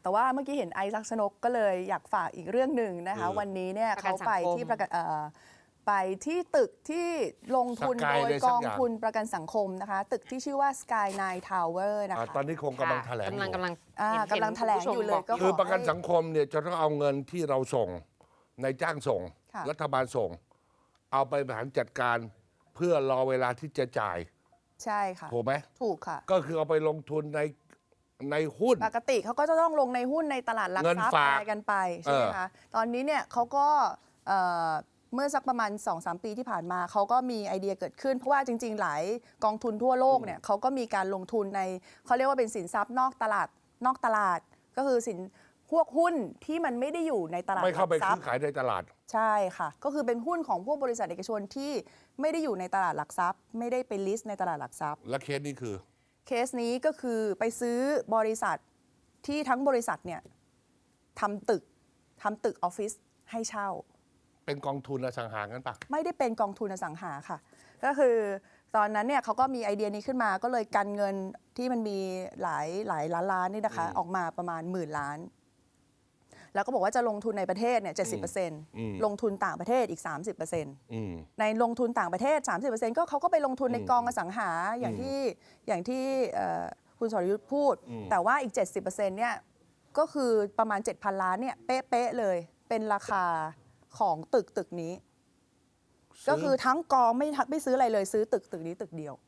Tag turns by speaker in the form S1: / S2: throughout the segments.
S1: แต่ว่าเมื่อกี้เห็นไอซ์ลักษณกก็เลยอยากฝากอีกเรื่องหนึ่งนะคะวันนี้เนี่ยเขาไปที่ไปที่ตึกที่ลงทุนโดยกองทุนประกันสังคมนะคะตึกที่ชื่อว่า Sky9 Tower นะคะ
S2: ตอนนี้คงกำลังแถลงอยู่
S1: กำลังแถลงอยู่เลยก็
S2: คือประกันสังคมเนี่ยจะต้องเอาเงินที่เราส่งในจ้างส่งรัฐบาลส่งเอาไปบริหารจัดการเพื่อรอเวลาที่จะจ่าย
S1: ใช่ค่ะ
S2: ถูกไหม
S1: ถูกค่ะ
S2: ก็คือเอาไปลงทุนในหุ้น
S1: ปกติเขาก็จะต้องลงในหุ้นในตลาดหลักทรัพย์อะไรกันไปใช่ไหมคะตอนนี้เนี่ยเขาก็เมื่อสักประมาณ 2-3 ปีที่ผ่านมาเขาก็มีไอเดียเกิดขึ้นเพราะว่าจริงๆหลายกองทุนทั่วโลกเนี่ยเขาก็มีการลงทุนในเขาเรียกว่าเป็นสินทรัพย์นอกตลาดก็คือพวกหุ้นที่มันไม่ได้อยู่ในตลาด
S2: ไม่เข้าไปซื้อขายในตลาด
S1: ใช่ค่ะก็คือเป็นหุ้นของพวกบริษัทเอกชนที่ไม่ได้อยู่ในตลาดหลักทรัพย์ไม่ได้ไปลิสต์ในตลาดหลักทรัพย์
S2: และเคสนี้คือ
S1: เคสนี้ก็คือไปซื้อบริษัทที่ทั้งบริษัทเนี่ยทำตึกออฟฟิศให้เช่า
S2: เป็นกองทุนอสังหางั้นปะ
S1: ไม่ได้เป็นกองทุนอสังหาค่ะก็คือตอนนั้นเนี่ยเขาก็มีไอเดียนี้ขึ้นมาก็เลยกันเงินที่มันมีหลายล้านนี่นะคะออกมาประมาณ10,000 ล้านแล้วก็บอกว่าจะลงทุนในประเทศเนี่ย 70%ลงทุนต่างประเทศอีก 30%ในลงทุนต่างประเทศ 30% ก็เขาก็ไปลงทุนในกองอสังหาอย่างที่คุณสรยุทธ์พูดแต่ว่าอีก 70%เนี่ยก็คือประมาณ 7,000 ล้านเนี่ยเป๊ะเลยเป็นราคาของตึกนี้ก็คือทั้งกองไม่ซื้ออะไรเลยซื้อตึกนี้ตึกเดียว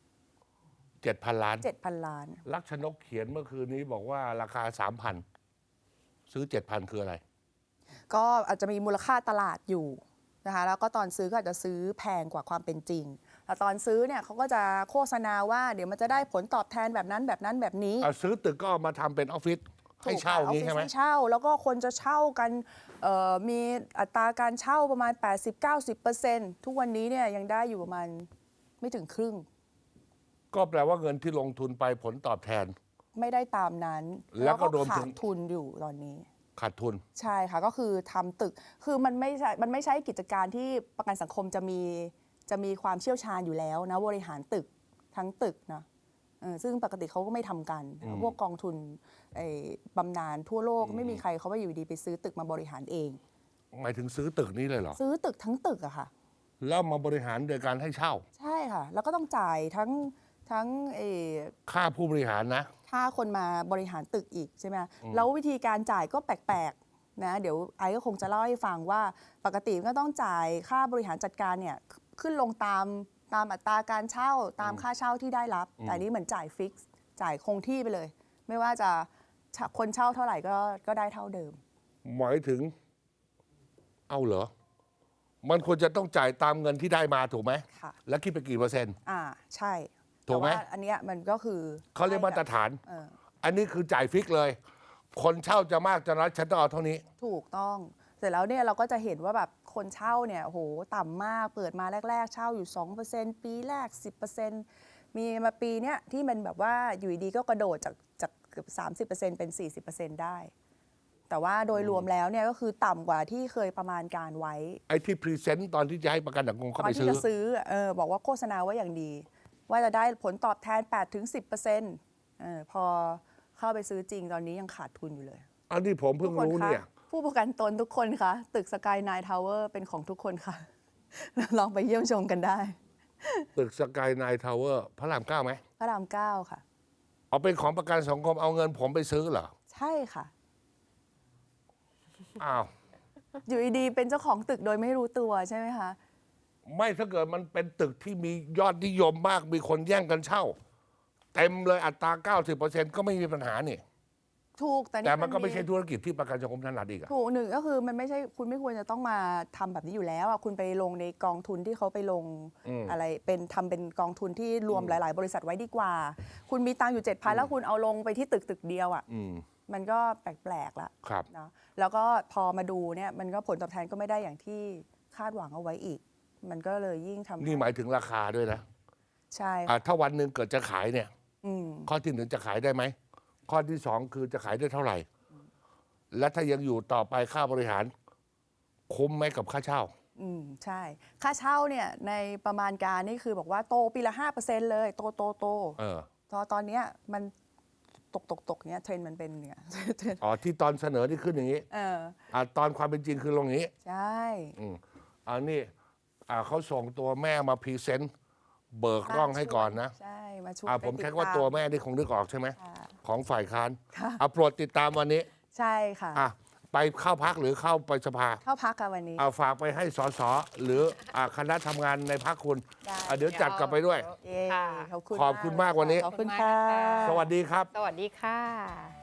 S2: 7,000 ล้านลักษณกเขียนเมื่อคืนนี้บอกว่าราคา 3,000 ซื้อ 7,000 คืออะไร
S1: ก็อาจจะมีมูลค่าตลาดอยู่นะคะแล้วก็ตอนซื้อก็อาจจะซื้อแพงกว่าความเป็นจริงแต่ตอนซื้อเนี่ยเขาก็จะโฆษณาว่าเดี๋ยวมันจะได้ผลตอบแทนแบบนั้นแบบนี้
S2: ซื้อตึกก็มาทำเป็นออฟฟิศให้เช่านี้ใช่ไหม
S1: ให้เช่าแล้วก็คนจะเช่ากันมีอัตราการเช่าประมาณ 80-90% ทุกวันนี้เนี่ยยังได้อยู่ประมาณไม่ถึงครึ่ง
S2: ก็แปลว่าเงินที่ลงทุนไปผลตอบแทน
S1: ไม่ได้ตามนั้น
S2: แล้วก็
S1: ขาดทุนอยู่ตอนนี้
S2: ขาดทุน
S1: ใช่ค่ะก็คือทำตึกคือมันไม่ใช่กิจการที่ประกันสังคมจะมีความเชี่ยวชาญอยู่แล้วนะบริหารตึกทั้งตึกนะซึ่งปกติเขาก็ไม่ทำกันพวกกองทุนบำนาญทั่วโลกไม่มีใครเขาไปอยู่ดีไปซื้อตึกมาบริหารเอง
S2: หมายถึงซื้อตึกนี้เลยเหรอ
S1: ซื้อตึกทั้งตึกอะค่ะ
S2: แล้วมาบริหารโดยการให้เช่า
S1: ใช่ค่ะแล้วก็ต้องจ่ายทั้ง
S2: ค่าผู้บริหารนะ
S1: ค่าคนมาบริหารตึกอีกใช่ไหมแล้ววิธีการจ่ายก็แปลกๆนะเดี๋ยวไอก็คงจะเล่าให้ฟังว่าปกติก็ต้องจ่ายค่าบริหารจัดการเนี่ยขึ้นลงตามอัตราการเช่าตามค่าเช่าที่ได้รับแต่นี้เหมือนจ่ายฟิกซ์จ่ายคงที่ไปเลยไม่ว่าจะคนเช่าเท่าไหร่ก็ได้เท่าเดิม
S2: หมายถึงเอาเหรอมันควรจะต้องจ่ายตามเงินที่ได้มาถูกไหม
S1: ค่ะ
S2: แล้วคิดไปกี่เปอร์เซ็นต์
S1: ใช่
S2: ถูกไหม
S1: อันนี้มันก็คือ
S2: เขาเรียกมาตรฐานอันนี้คือจ่ายฟิกเลยคนเช่าจะมากจะน้อยฉันต้องเอาเท่านี้
S1: ถูกต้องเสร็จแล้วเนี่ยเราก็จะเห็นว่าแบบคนเช่าเนี่ยโหต่ำมากเปิดมาแรกๆเช่าอยู่ 2% ปีแรก 10% มีมาปีเนี้ยที่มันแบบว่าอยู่ดีก็กระโดดจากเกือบ 30% เป็น 40% ได้แต่ว่าโดยรวมแล้วเนี่ยก็คือต่ำกว่าที่เคยประมาณการไว้
S2: ไอ้ที่พรีเซนต์ตอนที่จะให้ประกันสังคมเข้าไปซื้อ
S1: ตอนที่จะซื้อบอกว่าโฆษณาไว้อย่างดีว่าจะได้ผลตอบแทน 8-10%พอเข้าไปซื้อจริงตอนนี้ยังขาดทุนอยู่เลย
S2: อันนี้ผมเพิ่งรู้เนี่ย
S1: ผู้ประกันตนทุกคนคะตึก Sky9 Tower เป็นของทุกคนค่ะลองไปเยี่ยมชมกันได้
S2: ตึก Sky9 Tower พระราม 9ไหม
S1: พระราม 9ค่ะ
S2: เอาเป็นของประกันสังคมเอาเงินผมไปซื้อเหรอ
S1: ใช่ค่ะ
S2: อ้าว
S1: อยู่ดีๆเป็นเจ้าของตึกโดยไม่รู้ตัวใช่ไหมคะ
S2: ไม่ถ้าเกิดมันเป็นตึกที่มียอดนิยมมากมีคนแย่งกันเช่าเต็มเลยอัตรา 90% ก็ไม่มีปัญหานี่
S1: ถูก
S2: แต่มันก็ไม่ใช่ธุรกิจที่ประกันสังคมถนัดอีก
S1: ถูกหนึ่งก็คือมันไม่ใช่คุณไม่ควรจะต้องมาทำแบบนี้อยู่แล้วคุณไปลงในกองทุนที่เขาไปลงอะไรทำเป็นกองทุนที่รวมหลายๆบริษัทไว้ดีกว่าคุณมีตังค์อยู่ 7,000 แล้วคุณเอาลงไปที่ตึกเดียวมันก็แปลกๆละเนาะแล้วก็พอมาดูเนี่ยมันก็ผลตอบแทนก็ไม่ได้อย่างที่คาดหวังเอาไว้อีกมันก็เลยยิ่งทำ
S2: นี่หมายถึงราคาด้วยนะ
S1: ใช่
S2: ถ้าวันหนึ่งเกิดจะขายเนี่ยข้อที่1จะขายได้ไหมข้อที่2คือจะขายได้เท่าไหร่และถ้ายังอยู่ต่อไปค่าบริหารคุ้มไหมกับค่าเช่า
S1: ใช่ค่าเช่าเนี่ยในประมาณการนี่คือบอกว่าโตปีละ 5% เลยโตตอนนี้มันตกเนี้ยเทรนด์มันเป็นเนี่ย
S2: อ๋อที่ตอนเสนอที่ขึ้นอย่างนี้ตอนความเป็นจริงคือลงอย่างนี้
S1: ใช่
S2: อันนี้เขาส่งตัวแม่มาพรีเซนต์เบิกร่องให้ก่อนนะ
S1: ใช่มาช่วย
S2: ผมใช้ว่าตัวแม่นี่คงนึกออกใช่ไหม
S1: ค่ะ
S2: ของฝ่ายค้าน
S1: ค่ะ
S2: โปรดติดตามวันนี้
S1: ใช่ค่ะ
S2: ไปเข้าพักหรือเข้าไปสภา
S1: เข้าพักค่ะวันนี้
S2: ฝากไปให้สสหรือคณะทำงานในพักคุณ
S1: ได้
S2: เดี๋ยวจัดกลับไปด้วย
S1: เย้
S3: ค่ะ
S1: ขอบคุณ
S2: ขอบคุณมากวันนี้
S1: ขอบคุณค่ะ
S2: สวัสดีครับ
S3: สวัสดีค่ะ